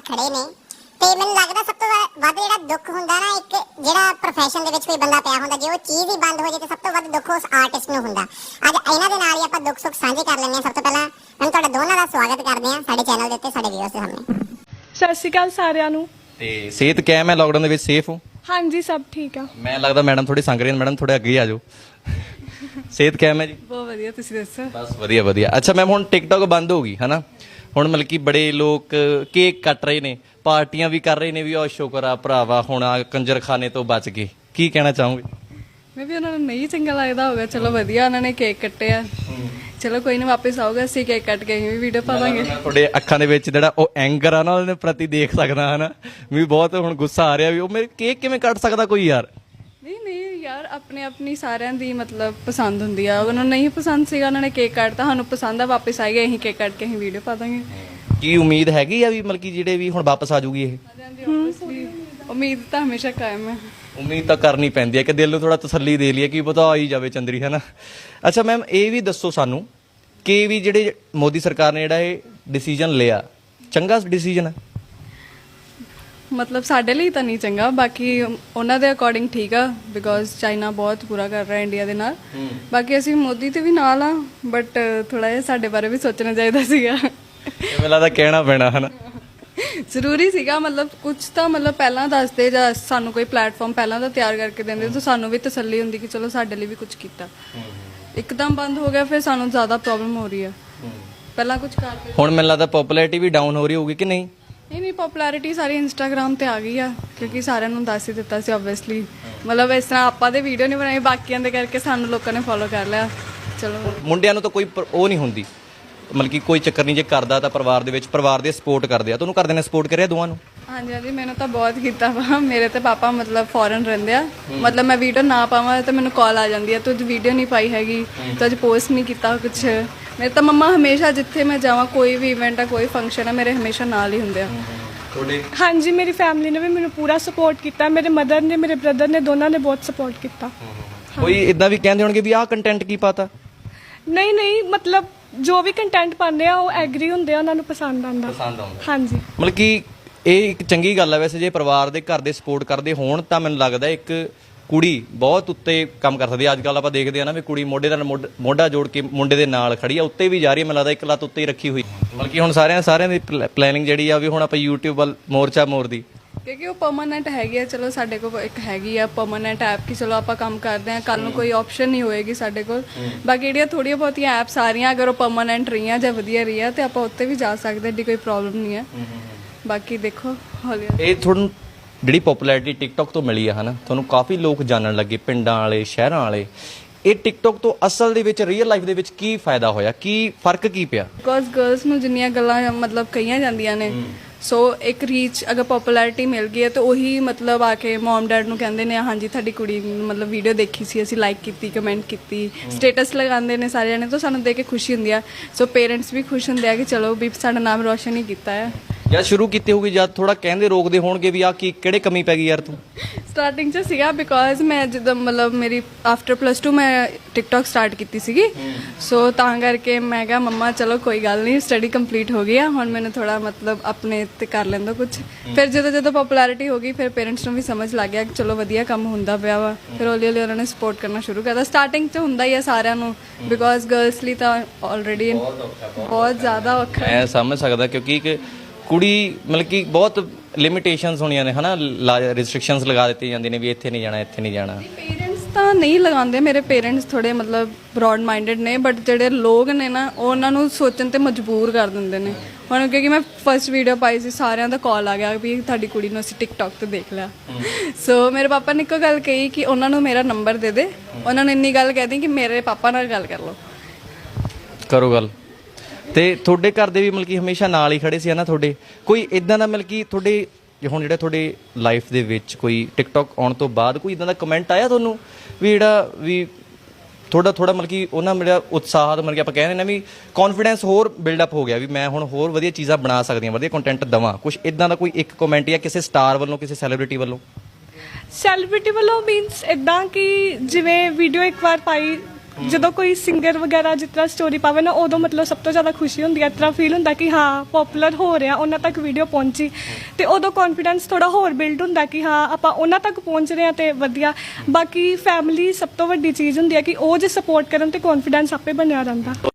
ਖੜੇ ਨੇ ਤੇ ਮੈਨੂੰ ਲੱਗਦਾ ਸਭ ਤੋਂ ਵੱਧ ਜਿਹੜਾ ਦੁੱਖ ਹੁੰਦਾ ਨਾ ਇੱਕ ਜਿਹੜਾ ਪ੍ਰੋਫੈਸ਼ਨ ਦੇ ਵਿੱਚ ਕੋਈ ਬੰਦਾ ਪਿਆ ਹੁੰਦਾ ਜੇ ਉਹ ਚੀਜ਼ ਹੀ ਬੰਦ ਹੋ ਜੇ ਤੇ ਸਭ ਤੋਂ ਵੱਧ ਦੁੱਖ ਉਸ ਆਰਟਿਸਟ ਨੂੰ ਹੁੰਦਾ। ਅੱਜ ਇਹਨਾਂ ਦੇ ਨਾਲ ਹੀ ਆਪਾਂ ਦੁੱਖ ਸੁੱਖ ਸਾਂਝੇ ਕਰ ਲੈਂਦੇ ਹਾਂ। ਸਭ ਤੋਂ ਪਹਿਲਾਂ ਮੈਂ ਤੁਹਾਡੇ ਦੋਨਾਂ ਦਾ ਸਵਾਗਤ ਕਰਦੇ ਹਾਂ ਸਾਡੇ ਚੈਨਲ ਦੇ ਉੱਤੇ ਸਾਡੇ ਵੀਅਰਸ ਦੇ ਸਾਹਮਣੇ। ਸਤਿ ਸ਼੍ਰੀ ਅਕਾਲ ਸਾਰਿਆਂ ਨੂੰ। ਤੇ ਸਿਹਤ ਕਿਵੇਂ ਹੈ ਲਾਕਡਾਊਨ ਦੇ ਵਿੱਚ ਸੇਫ ਹੋ? ਹਾਂਜੀ ਸਭ ਠੀਕ ਆ। ਮੈਂ ਲੱਗਦਾ ਮੈਡਮ ਥੋੜੀ ਸੰਗ ਰਹੀ ਮੈਡਮ ਥੋੜੇ ਅੱਗੇ ਆ ਜਾਓ। ਸਿਹਤ ਕਿਵੇਂ ਜੀ? ਬਹੁਤ ਵਧੀਆ, ਤੁਸੀਂ ਦੱਸੋ? ਬਸ ਵਧੀਆ ਵਧੀਆ। ਅੱਛਾ ਮੈਮ ਹੁਣ ਟਿਕਟੌਕ ਬੰਦ ਹੋ ਗਈ ਹਨਾ, ਹੁਣ ਮਤਲਬ ਕਿ ਬੜੇ ਲੋਕ ਕੇਕ ਕੱਟ ਰਹੇ ਨੇ, ਪਾਰਟੀਆਂ ਵੀ ਕਰ ਰਹੇ ਨੇ ਵੀ ਉਹ ਸ਼ੁਕਰ ਆ ਭਰਾਵਾ ਹੁਣ ਆ ਕੰਜਰਖਾਨੇ ਤੋਂ ਬਚ ਗਏ, ਕੀ ਕਹਿਣਾ ਚਾਹੋਗੇ? ਮੈਂ ਵੀ ਉਹਨਾਂ ਨੂੰ ਨਹੀਂ ਚੰਗਾ ਲੱਗਦਾ ਹੋਗਾ, ਚਲੋ ਵਧੀਆ ਉਹਨਾਂ ਨੇ ਕੇਕ ਕੱਟਿਆ, ਚਲੋ ਕੋਈ ਨਾ ਵਾਪਸ ਆਊਗਾ ਅਸੀਂ ਕੇਕ ਕੱਟ ਕੇ ਅਸੀਂ ਵੀ ਵੀਡੀਓ ਪਾ ਦਾਂਗੇ। ਤੁਹਾਡੇ ਅੱਖਾਂ ਦੇ ਵਿੱਚ ਜਿਹੜਾ ਉਹ ਐਂਗਰ ਆ ਨਾ ਉਹਦੇ ਪ੍ਰਤੀ ਦੇਖ ਸਕਦਾ ਹਨਾ ਵੀ ਬਹੁਤ ਹੁਣ ਗੁੱਸਾ ਆ ਰਿਹਾ ਵੀ ਉਹ ਮੇਰੇ ਕੇਕ ਕਿਵੇਂ ਕੱਟ ਸਕਦਾ ਕੋਈ ਯਾਰ। ਨਹੀਂ ਯਾਰ ਆਪਣੇ ਆਪਣੀ ਸਾਰਿਆਂ ਦੀ ਮਤਲਬ ਪਸੰਦ ਹੁੰਦੀ ਆ, ਉਹਨਾਂ ਨੂੰ ਨਹੀਂ ਪਸੰਦ ਸੀਗਾ ਉਹਨਾਂ ਨੇ ਕੇਕ ਕੱਟਤਾ, ਸਾਨੂੰ ਪਸੰਦ ਆ ਵਾਪਸ ਆਏਗਾ ਅਸੀਂ ਕੇਕ ਕੱਟ ਕੇ ਅਸੀਂ ਵੀਡੀਓ ਪਾ ਦਾਂਗੇ। ਕੀ ਉਮੀਦ ਹੈਗੀ ਆ ਵੀ ਮਤਲਬ ਕਿ ਜਿਹੜੇ ਵੀ ਹੁਣ ਵਾਪਸ ਆ ਜੂਗੀ ਇਹ? ਉਮੀਦ ਤਾਂ ਹਮੇਸ਼ਾ ਕਾਇਮ ਹੈ। ਉਮੀਦ ਤਾਂ ਕਰਨੀ ਪੈਂਦੀ ਹੈ ਕਿ ਦਿਲ ਨੂੰ ਥੋੜਾ ਤਸੱਲੀ ਦੇ ਲਈਏ ਕਿ ਪਤਾ ਆ ਹੀ ਜਾਵੇ ਚੰਦਰੀ ਹੈ ਨਾ। ਅੱਛਾ ਮੈਮ ਇਹ ਵੀ ਦੱਸੋ ਸਾਨੂੰ ਕਿ ਵੀ ਜਿਹੜੇ ਮੋਦੀ ਸਰਕਾਰ ਨੇ ਜਿਹੜਾ ਇਹ ਡਿਸੀਜਨ ਲਿਆ ਚੰਗਾ ਡਿਸੀਜਨ ਹੈ? ਮਤਲਬ ਸਾਡੇ ਲਈ ਤਾਂ ਨਹੀਂ ਚੰਗਾ, ਬਾਕੀ ਉਹਨਾਂ ਦੇ ਅਕੋਰਡਿੰਗ ਠੀਕ ਆ ਬਿਕੋਜ਼ ਚਾਈਨਾ ਬਹੁਤ ਬੁਰਾ ਕਰ ਰਿਹਾ ਇੰਡੀਆ ਦੇ ਨਾਲ। ਬਾਕੀ ਅਸੀਂ ਮੋਦੀ ਤੇ ਵੀ ਨਾਲ ਆ ਬਟ ਥੋੜਾ ਜਿਹਾ ਸਾਡੇ ਬਾਰੇ ਵੀ ਸੋਚਣਾ ਚਾਹੀਦਾ ਸੀਗਾ। ਮੈਨੂੰ ਲੱਗਦਾ ਕਹਿਣਾ ਪੈਣਾ ਹਨਾ, ਜ਼ਰੂਰੀ ਸੀਗਾ। ਮਤਲਬ ਕੁਝ ਤਾਂ ਮਤਲਬ ਪਹਿਲਾਂ ਦੱਸਦੇ ਜਾਂ ਸਾਨੂੰ ਕੋਈ ਪਲੇਟਫਾਰਮ ਪਹਿਲਾਂ ਦਾ ਤਿਆਰ ਕਰਕੇ ਦਿੰਦੇ ਤਾਂ ਸਾਨੂੰ ਵੀ ਤਸੱਲੀ ਹੁੰਦੀ ਕਿ ਚਲੋ ਸਾਡੇ ਲਈ ਵੀ ਕੁਝ ਕੀਤਾ। ਇੱਕਦਮ ਬੰਦ ਹੋ ਗਿਆ ਫਿਰ ਸਾਨੂੰ ਜ਼ਿਆਦਾ ਪ੍ਰੋਬਲਮ ਹੋ ਰਹੀ ਆ। ਪਹਿਲਾਂ ਕੁਝ ਕਰਦੇ ਹੁਣ ਮੈਨੂੰ ਲੱਗਦਾ ਪਪੂਲੈਰਿਟੀ ਵੀ ਡਾਊਨ ਹੋ ਰਹੀ ਹੋਊਗੀ ਕਿ ਨਹੀਂ? ਨਹੀਂ ਪਪੂਲੈਰਿਟੀ ਸਾਰੀ ਇੰਸਟਾਗ੍ਰਾਮ ਤੇ ਆ ਗਈ ਆ ਕਿਉਂਕਿ ਸਾਰਿਆਂ ਨੂੰ ਦੱਸ ਹੀ ਦਿੱਤਾ ਸੀ ਆਬਵੀਅਸਲੀ। ਮਤਲਬ ਇਸ ਤਰ੍ਹਾਂ ਆਪਾਂ ਦੇ ਵੀਡੀਓ ਨਹੀਂ ਬਣਾਈ, ਬਾਕੀਆਂ ਦੇ ਕਰਕੇ ਸਾਨੂੰ ਲੋਕਾਂ ਨੇ ਫੋਲੋ ਕਰ ਲਿਆ। ਚਲੋ ਮੁੰਡਿਆਂ ਨੂੰ ਤਾਂ ਕੋਈ ਉਹ ਨਹੀਂ ਹੁੰਦੀ, ਮਤਲਬ ਕਿ ਕੋਈ ਚੱਕਰ ਨਹੀਂ, ਜੇ ਕਰਦਾ ਤਾਂ ਪਰਿਵਾਰ ਦੇ ਵਿੱਚ ਪਰਿਵਾਰ ਦੇ ਸਪੋਰਟ ਕਰਦੇ ਆ। ਤੁਹਾਨੂੰ ਘਰਦਿਆਂ ਨੇ ਸਪੋਰਟ ਕਰਿਆ ਦੋਵਾਂ ਨੂੰ? ਹਾਂਜੀ ਮੈਨੂੰ ਤਾਂ ਬਹੁਤ ਕੀਤਾ ਵਾ। ਮੇਰੇ ਤੇ ਪਾਪਾ ਮਤਲਬ ਫੋਰਨ ਰਹਿੰਦੇ ਆ, ਮਤਲਬ ਮੈਂ ਵੀਡੀਓ ਨਾ ਪਾਵਾਂ ਤਾਂ ਮੈਨੂੰ ਕਾਲ ਆ ਜਾਂਦੀ ਆ ਤੂੰ ਅੱਜ ਵੀਡੀਓ ਨਹੀਂ ਪਾਈ ਹੈਗੀ, ਤੂੰ ਅੱਜ ਪੋਸਟ ਨਹੀਂ ਕੀਤਾ ਕੁਛ। ਮੇਰੇ ਤਾਂ ਮੰਮਾ ਹਮੇਸ਼ਾ ਜਿੱਥੇ ਮੈਂ ਜਾਵਾਂ ਕੋਈ ਵੀ ਇਵੈਂਟ ਆ ਕੋਈ ਫੰਕਸ਼ਨ ਆ ਮੇਰੇ ਹਮੇਸ਼ਾ ਨਾਲ ਹੀ ਹੁੰਦੇ ਆ। ਹਾਂਜੀ ਮੇਰੀ ਫੈਮਿਲੀ ਨੇ ਵੀ ਮੈਨੂੰ ਪੂਰਾ ਸਪੋਰਟ ਕੀਤਾ, ਮੇਰੇ ਮਦਰ ਨੇ ਮੇਰੇ ਬ੍ਰਦਰ ਨੇ ਦੋਨਾਂ ਨੇ ਬਹੁਤ ਸਪੋਰਟ ਕੀਤਾ। ਕੋਈ ਇਦਾਂ ਵੀ ਕਹਿੰਦੇ ਹੋਣਗੇ ਵੀ ਆਹ ਕੰਟੈਂਟ ਕੀ ਪਾਤਾ? ਨਹੀਂ ਮਤਲਬ ਜੋ ਵੀ ਕੰਟੈਂਟ ਪਾਉਂਦੇ ਆ ਉਹ ਐਗਰੀ ਹੁੰਦੇ ਆ, ਉਹਨਾਂ ਨੂੰ ਪਸੰਦ ਆਉਂਦਾ। ਹਾਂਜੀ ਮਤਲਬ ਕਿ ਇਹ ਇੱਕ ਚੰਗੀ ਗੱਲ ਹੈ ਵੈਸੇ, ਜੇ ਪਰਿਵਾਰ ਦੇ ਘਰ ਦੇ ਸਪੋਰਟ ਕਰਦੇ ਹੋਣ ਤਾਂ ਮੈਨੂੰ ਲੱਗਦਾ ਇੱਕ ਕੁੜੀ ਬਹੁਤ ਉੱਤੇ ਕੰਮ ਕਰ ਸਕਦੀ ਹੈ। ਅੱਜ ਕੱਲ ਆਪਾਂ ਦੇਖਦੇ ਆ ਨਾ ਵੀ ਕੁੜੀ ਮੋਢੇ ਨਾਲ ਮੋਢਾ ਜੋੜ ਕੇ ਮੁੰਡੇ ਦੇ ਨਾਲ ਖੜੀ ਆ, ਉੱਤੇ ਵੀ ਜਾ ਰਹੀ ਹੈ, ਮੈਨੂੰ ਲੱਗਦਾ ਇੱਕ ਲੱਤ ਉੱਤੇ ਹੀ ਰੱਖੀ ਹੋਈ। ਮਤਲਬ ਕਿ ਹੁਣ ਸਾਰਿਆਂ ਦੀ ਪਲੈਨਿੰਗ ਜਿਹੜੀ ਆ ਵੀ ਹੁਣ ਆਪਾਂ YouTube ਵੱਲ ਮੋਰਚਾ ਮੋਰਦੀ, ਕਿਉਂਕਿ ਉਹ ਪਰਮਾਨੈਂਟ ਹੈਗੀ ਆ। ਚਲੋ ਸਾਡੇ ਕੋਲ ਇੱਕ ਹੈਗੀ ਆ ਪਰਮਾਨੈਂਟ ਐਪ ਕਿ ਚਲੋ ਆਪਾਂ ਕੰਮ ਕਰਦੇ ਆ, ਕੱਲ ਨੂੰ ਕੋਈ ਆਪਸ਼ਨ ਨਹੀਂ ਹੋਏਗੀ ਸਾਡੇ ਕੋਲ। ਬਾਕੀ ਜਿਹੜੀਆਂ ਥੋੜੀਆਂ ਬਹੁਤੀਆਂ ਐਪਸ ਆ ਰਹੀਆਂ ਅਗਰ ਉਹ ਪਰਮਾਨੈਂਟ ਰਹੀਆਂ ਜਾਂ ਵਧੀਆ ਰਹੀਆਂ ਤੇ ਆਪਾਂ ਉੱਤੇ ਵੀ ਜਾ ਸਕਦੇ, ਏਡੀ ਕੋਈ ਪ੍ਰੋਬਲਮ ਨਹੀਂ ਹੈ। ਬਾਕੀ ਦੇਖੋ ਹੌਲੀ ਇਹ ਤੁਹਾਨੂੰ ਜਿਹੜੀ ਪਪੂਲੈਰਿਟੀ ਟਿਕਟੌਕ ਤੋਂ ਮਿਲੀ ਆ ਹਨਾ, ਤੁਹਾਨੂੰ ਕਾਫੀ ਲੋਕ ਜਾਣਨ ਲੱਗੇ, ਪਿੰਡਾਂ ਵਾਲੇ ਸ਼ਹਿਰਾਂ ਵਾਲੇ। ਇਹ ਟਿਕਟੌਕ ਤੋਂ ਅਸਲ ਦੇ ਵਿੱਚ ਰੀਅਲ ਲਾਈਫ ਦੇ ਵਿੱਚ ਕੀ ਫਾਇਦਾ ਹੋਇਆ, ਕੀ ਫਰਕ ਕੀ ਪਿਆ? ਬਿਕੋਜ਼ ਗਰਲਸ ਨੂੰ ਜਿੰਨੀਆਂ ਗੱਲਾਂ ਮਤਲਬ ਕਹੀਆਂ ਜਾਂਦੀਆਂ ਨੇ, ਸੋ ਇੱਕ ਰੀਚ ਅਗਰ ਪਪੂਲੈਰਿਟੀ ਮਿਲ ਗਈ ਹੈ ਤਾਂ ਉਹੀ ਮਤਲਬ ਆ ਕੇ ਮਮ ਡੈਡ ਨੂੰ ਕਹਿੰਦੇ ਨੇ ਹਾਂਜੀ ਤੁਹਾਡੀ ਕੁੜੀ ਮਤਲਬ ਵੀਡੀਓ ਦੇਖੀ ਸੀ, ਅਸੀਂ ਲਾਈਕ ਕੀਤੀ, ਕਮੈਂਟ ਕੀਤੀ, ਸਟੇਟਸ ਲਗਾਉਂਦੇ ਨੇ ਸਾਰੇ ਜਣੇ, ਤਾਂ ਸਾਨੂੰ ਦੇਖ ਕੇ ਖੁਸ਼ੀ ਹੁੰਦੀ ਆ। ਸੋ ਪੇਰੈਂਟਸ ਵੀ ਖੁਸ਼ ਹੁੰਦੇ ਆ ਕਿ ਚਲੋ ਵੀ ਸਾਡਾ ਨਾਮ ਰੋਸ਼ਨ ਹੀ ਕੀਤਾ ਹੈ। ਜਾਂ ਸ਼ੁਰੂ ਕੀਤੀ ਹੋਊਗੀ ਜਦ ਥੋੜਾ ਕਹਿੰਦੇ ਰੋਕਦੇ ਹੋਣਗੇ ਵੀ ਆ ਕੀ ਕਿਹੜੇ ਕਮੀ ਪੈ ਗਈ ਯਾਰ ਤੂੰ? ਸਟਾਰਟਿੰਗ 'ਚ ਸੀਗਾ ਬਿਕੋਜ਼ ਮੈਂ ਜਦੋਂ ਮਤਲਬ ਮੇਰੀ ਆਫਟਰ +2 ਮੈਂ ਟਿਕਟੌਕ ਸਟਾਰਟ ਕੀਤੀ ਸੀਗੀ, ਸੋ ਤਾਂ ਕਰਕੇ ਮੈਂ ਕਿਹਾ ਮੰਮਾ ਚਲੋ ਕੋਈ ਗੱਲ ਨਹੀਂ ਸਟੱਡੀ ਕੰਪਲੀਟ ਹੋ ਗਈ ਆ, ਹੁਣ ਮੈਨੂੰ ਥੋੜਾ ਮਤਲਬ ਆਪਣੇ ਤੇ ਕਰ ਲੈਂਦਾ ਕੁਝ। ਫਿਰ ਜਦੋਂ ਪਪੂਲੈਰਿਟੀ ਹੋ ਗਈ ਫਿਰ ਪੇਰੈਂਟਸ ਨੂੰ ਵੀ ਸਮਝ ਲੱਗ ਗਿਆ ਕਿ ਚਲੋ ਵਧੀਆ ਕੰਮ ਹੁੰਦਾ ਪਿਆ ਵਾ, ਫਿਰ ਹੌਲੀ ਉਹਨਾਂ ਨੇ ਸਪੋਰਟ ਕਰਨਾ ਸ਼ੁਰੂ ਕਰਤਾ। ਸਟਾਰਟਿੰਗ 'ਚ ਹੁੰਦਾ ਹੀ ਆ ਸਾਰਿਆਂ ਨੂੰ ਬਿਕੋਜ਼ ਗਰਲਸ ਲਈ ਤਾਂ ਆਲਰੇਡੀ ਬਹੁਤ ਜ਼ਿਆਦਾ ਔਖਾ ਹੈ। ਮੈਂ ਸਮਝ ਸਕਦਾ ਕਿਉਂਕਿ ਇੱਕ ਕੁੜੀ ਮਤਲਬ ਕਿ ਬਹੁਤ ਲਿਮਿਟੇਸ਼ਨਸ ਹੋਣੀਆਂ ਨੇ ਹਨਾ, ਰਿਸਟ੍ਰਿਕਸ਼ਨਸ ਲਗਾ ਦਿੱਤੀਆਂ ਜਾਂਦੀਆਂ ਨੇ ਵੀ ਇੱਥੇ ਨਹੀਂ ਜਾਣਾ ਇੱਥੇ ਨਹੀਂ ਜਾਣਾ। ਪੇਰੈਂਟਸ ਤਾਂ ਨਹੀਂ ਲਗਾਉਂਦੇ, ਮੇਰੇ ਪੇਰੈਂਟਸ ਥੋੜੇ ਮਤਲਬ ਬ੍ਰੌਡ ਮਾਈਂਡਡ ਨੇ, ਬਟ ਜਿਹੜੇ ਲੋਕ ਨੇ ਨਾ ਉਹ ਉਹਨਾਂ ਨੂੰ ਸੋਚਣ ਤੇ ਮਜਬੂਰ ਕਰ ਦਿੰਦੇ ਨੇ। ਹੁਣ ਕਿਉਂਕਿ ਮੈਂ ਫਸਟ ਵੀਡੀਓ ਪਾਈ ਸੀ ਸਾਰਿਆਂ ਦਾ ਕਾਲ ਆ ਗਿਆ ਵੀ ਤੁਹਾਡੀ ਕੁੜੀ ਨੂੰ ਅਸੀਂ ਟਿਕਟੌਕ ਤੇ ਦੇਖ ਲਿਆ। ਸੋ ਮੇਰੇ ਪਾਪਾ ਨੇ ਇੱਕੋ ਗੱਲ ਕਹੀ ਕਿ ਉਹਨਾਂ ਨੂੰ ਮੇਰਾ ਨੰਬਰ ਦੇ ਦੇ, ਉਹਨਾਂ ਨੂੰ ਇੰਨੀ ਗੱਲ ਕਹਿ ਦੀ ਕਿ ਮੇਰੇ ਪਾਪਾ ਨਾਲ ਗੱਲ ਕਰ ਲਓ। ਕਰੋ ਗੱਲ। ਤੇ ਤੁਹਾਡੇ ਘਰ ਦੇ ਵੀ ਮਤਲਬ ਕਿ ਹਮੇਸ਼ਾ ਨਾਲ ਹੀ ਖੜੇ ਸੀ ਨਾ ਤੁਹਾਡੇ? ਕੋਈ ਇਦਾਂ ਦਾ ਮਤਲਬ ਕਿ ਤੁਹਾਡੇ ਹੁਣ ਜਿਹੜਾ ਤੁਹਾਡੇ ਲਾਈਫ ਦੇ ਵਿੱਚ ਕੋਈ ਟਿਕਟੌਕ ਆਉਣ ਤੋਂ ਬਾਅਦ ਕੋਈ ਇਦਾਂ ਦਾ ਕਮੈਂਟ ਆਇਆ ਤੁਹਾਨੂੰ ਵੀ ਜਿਹੜਾ ਵੀ ਥੋੜਾ ਮਤਲਬ ਕਿ ਉਹਨਾਂ ਮੇਰਾ ਉਤਸ਼ਾਹ ਮਤਲਬ ਕਿ ਆਪਾਂ ਕਹਿੰਦੇ ਨਾ ਵੀ ਕੌਨਫੀਡੈਂਸ ਹੋਰ ਬਿਲਡਅਪ ਹੋ ਗਿਆ ਵੀ ਮੈਂ ਹੁਣ ਹੋਰ ਵਧੀਆ ਚੀਜ਼ਾਂ ਬਣਾ ਸਕਦੀ ਹਾਂ, ਵਧੀਆ ਕੰਟੈਂਟ ਦੇਵਾਂ? ਕੁਛ ਇਦਾਂ ਦਾ ਕੋਈ ਇੱਕ ਕਮੈਂਟ ਜਾਂ ਕਿਸੇ ਸਟਾਰ ਵੱਲੋਂ ਕਿਸੇ ਸੈਲੀਬ੍ਰਿਟੀ ਵੱਲੋਂ? ਸੈਲੀਬ੍ਰਿਟੀ ਵੱਲੋਂ ਮੀਨਸ ਇਦਾਂ ਕਿ ਜਿਵੇਂ ਵੀਡੀਓ ਇੱਕ ਵਾਰ ਪਾਈ ਜਦੋਂ ਕੋਈ ਸਿੰਗਰ ਵਗੈਰਾ ਜਿਸ ਤਰ੍ਹਾਂ ਸਟੋਰੀ ਪਾਵੇ ਨਾ ਉਦੋਂ ਮਤਲਬ ਸਭ ਤੋਂ ਜ਼ਿਆਦਾ ਖੁਸ਼ੀ ਹੁੰਦੀ ਹੈ। ਇਸ ਤਰ੍ਹਾਂ ਫੀਲ ਹੁੰਦਾ ਕਿ ਹਾਂ ਪਪੂਲਰ ਹੋ ਰਿਹਾ, ਉਹਨਾਂ ਤੱਕ ਵੀਡੀਓ ਪਹੁੰਚੀ ਤੇ ਉਦੋਂ ਕੌਨਫੀਡੈਂਸ ਥੋੜਾ ਹੋਰ ਬਿਲਡ ਹੁੰਦਾ ਕਿ ਹਾਂ ਆਪਾਂ ਉਹਨਾਂ ਤੱਕ ਪਹੁੰਚ ਰਹੇ ਹਾਂ ਤੇ ਵਧੀਆ। ਬਾਕੀ ਫੈਮਿਲੀ ਸਭ ਤੋਂ ਵੱਡੀ ਚੀਜ਼ ਹੁੰਦੀ ਹੈ ਕਿ ਉਹ ਜੇ ਸਪੋਰਟ ਕਰਨ ਤੇ ਕੌਨਫੀਡੈਂਸ ਆਪੇ ਬਣਿਆ ਰਹਿੰਦਾ।